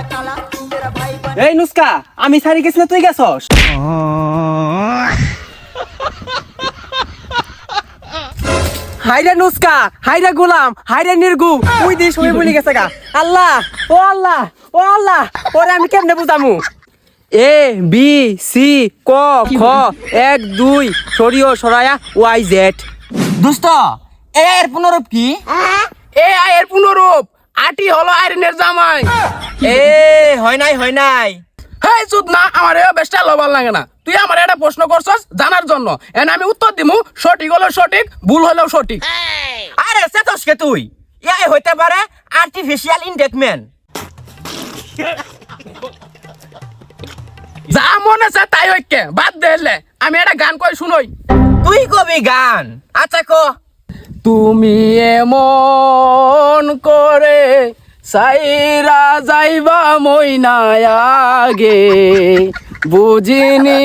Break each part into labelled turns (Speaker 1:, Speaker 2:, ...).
Speaker 1: এই নুস্কা, আমি সারি গেছি না, তুই গেছস? হাইরে নুস্কা, হাইরে গোলাম, হাইরে নির্গু, ওই দিয়ে সবাই বলে গেছে গা। আল্লাহ, ও আল্লাহ, ও আল্লাহ, ওরে আমি কেমনে বুঝামু? এ বি সি ক খ 1 2 সরিও সরায়া ওয়াই জেড।
Speaker 2: দোস্ত এ এর পুনরূপ কি?
Speaker 3: এ আয়ের পুনরূপ আটি হলো আয়রনের জামাই।
Speaker 2: এ হয় নাই
Speaker 3: হেই চুদ না, আমার এ বেশটা লবাল লাগে না। তুই আমার একটা প্রশ্ন করছস জানার জন্য, এন আমি উত্তর দিমু। সঠিক হলো সঠিক, ভুল হলেও সঠিক।
Speaker 2: আরে সেতসকে তুই এআই হইতে পারে আর্টিফিশিয়াল ইন্টেলিজেন্স।
Speaker 3: যা মনে আছে তাই ঐক্যে বাদ দেলে আমি একটা গান কই শুনই।
Speaker 2: তুই কবি গান? আচ্ছা ক।
Speaker 3: তুমি এমন করে সাইরা যাইবা মইনায় আগে বুঝিনি,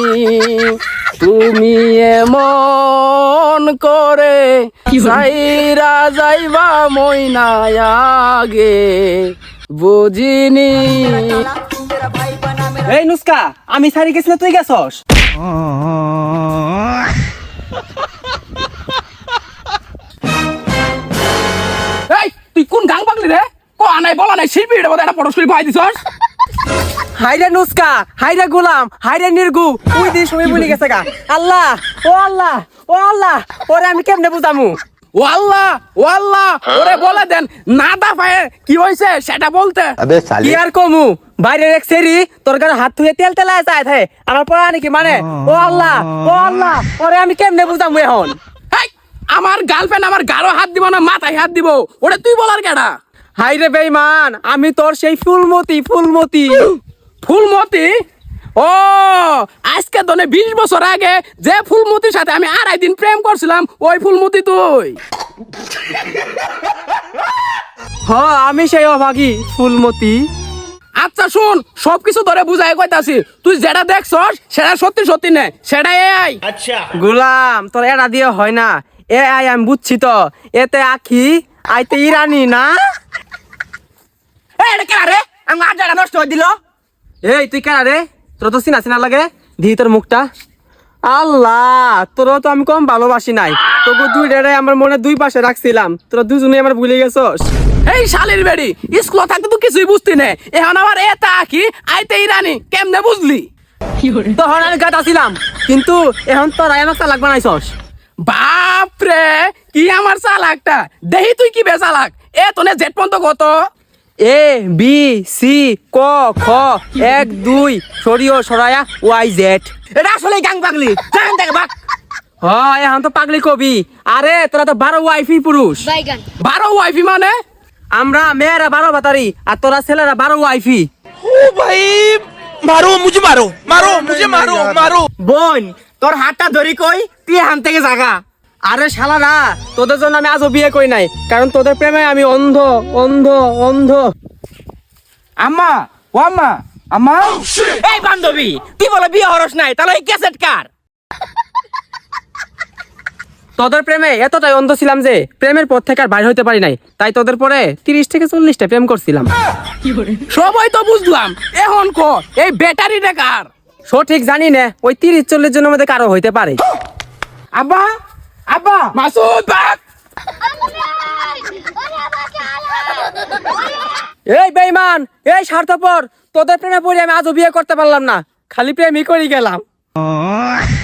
Speaker 3: তুমি এমন করে সাইরা যাইবা মইনায় আগে বুঝিনি।
Speaker 1: এই নুস্কা, আমি সারি গেছি না, তুই গেছস?
Speaker 3: এই তুই কোন গান পাগলি রে? কো আনাই বলা নাই শিল্পী এটা বলে একটা পড়াশোনা ভাই দিছস।
Speaker 1: হাইরে নুস্কা, হাইরে গোলাম, হাইরে নির্গু, ওই দিয়ে সবাই বলে গেছে গা। আল্লাহ, ও আল্লাহ, ও আল্লাহ, ওরে আমি কেমনে বুঝামু?
Speaker 3: ও আল্লাহ, ও আল্লাহ, ওরে বলে দেন না দা পায়ে কি হইছে সেটা বলতে।
Speaker 1: কি আর কমু, বাইরের এক সেরি তোর গায়ে হাত ধুয়ে তেল তেলায় যায় থাকে, আমার পড়া নাকি মানে? ও আল্লাহ, ও আল্লাহ, ওরে আমি কেমনে বুঝামু এখন?
Speaker 3: হেই, আমার গার্লফ্রেন্ড আমার গারো হাত দিব না মাথায় হাত দিব, ওরে তুই বলার কেডা?
Speaker 1: হাইরে বেঈমান, আমি তোর সেই ফুলমতি ফুলমতি।
Speaker 3: ফুলমতি? ও আজকে দনে 20 বছর আগে যে ফুলমতির সাথে আমি 2.5 দিন প্রেম করছিলাম, ওই ফুলমতি তুই।
Speaker 1: হ, আমি সেই অভাগী ফুলমতি।
Speaker 3: আচ্ছা শুন, সবকিছু ধরে বুঝাই কইতাছি, তুই যেটা দেখছস সেটা সত্যি সত্যি নে, সেটা এআই।
Speaker 1: গোলাম, তোর এরা দিয়ে হয় না। এ আই আমি বুঝছি তো, এতে আখি আইতে ইরানি না।
Speaker 2: এই এটা কেন রে? আমার আজ জায়গা নষ্ট হয়ে দিল।
Speaker 1: এই তুই কেন রে? তোর তো চিনা চিনা লাগে, দি তোর মুখটা। আল্লাহ, তোর তো আমি কম ভালোবাসি নাই, তবু দুই ডেরে আমার মনে দুই পাশে রাখছিলাম, তোরা দুজনে আমার ভুলে গেছস।
Speaker 3: এই শালির বেড়ি, স্কুল থাকতে তো কিছুই বুঝতি না, এখন আবার এটা কি আইতে ইরানি কেমনে বুঝলি?
Speaker 1: তখন আমি গাত আসিলাম, কিন্তু এখন তোরাই আমার চালাক বানাইছস।
Speaker 3: বাপ রে, কি আমার চালাকটা দেহি, তুই কি বে চালাক? এ তোনে জেট পর্যন্ত কত?
Speaker 1: এ বি সি ক খ 1 2 সরিও সরায়া ওয়াই জেড।
Speaker 2: এটা আসলে গাং পাগলি, জান থেকে বাক।
Speaker 1: হয়, এখন তো পাগলি কবি। আরে তোরা তো 12 ওয়াইফি পুরুষ।
Speaker 3: 12 ওয়াইফি মানে?
Speaker 1: আমরা মেয়েরা 12 বাতারি, আর তোরা ছেলেরা 12 ওয়াইফি।
Speaker 2: বোন তোর হাতটা ধরি কই, তুই হান থেকে জাগা।
Speaker 1: আরে শালারা, তোদের জন্য আমি আজও বিয়ে করি নাই, কারণ তোদের প্রেমে আমি অন্ধ অন্ধ অন্ধ।
Speaker 3: আম্মা, ও আম্মা, আম্মা।
Speaker 2: এই বান্ধবী, তুই বলে বিয়ে হরস নাই, তাহলে এই ক্যাসেট কার?
Speaker 1: তোদের প্রেমে এতটাই অন্ধ ছিলাম যে প্রেমের পথ থেকে আর বাইরে হইতে পারি নাই, তাই তোদের পরে 30 থেকে 40টা প্রেম করছিলাম।
Speaker 3: সবাই তো বুঝলাম, এখন ক এই ব্যাটারিটা কার?
Speaker 1: সঠিক জানি না, ওই 30-40 জনের মধ্যে কারো হইতে পারে।
Speaker 3: আব্বা, আব্বা, মাসুদ বাক।
Speaker 1: এই বেঈমান, এই স্বার্থপর, তোদের প্রেমে পড়ে আমি আজও বিয়ে করতে পারলাম না, খালি প্রেমই করি গেলাম।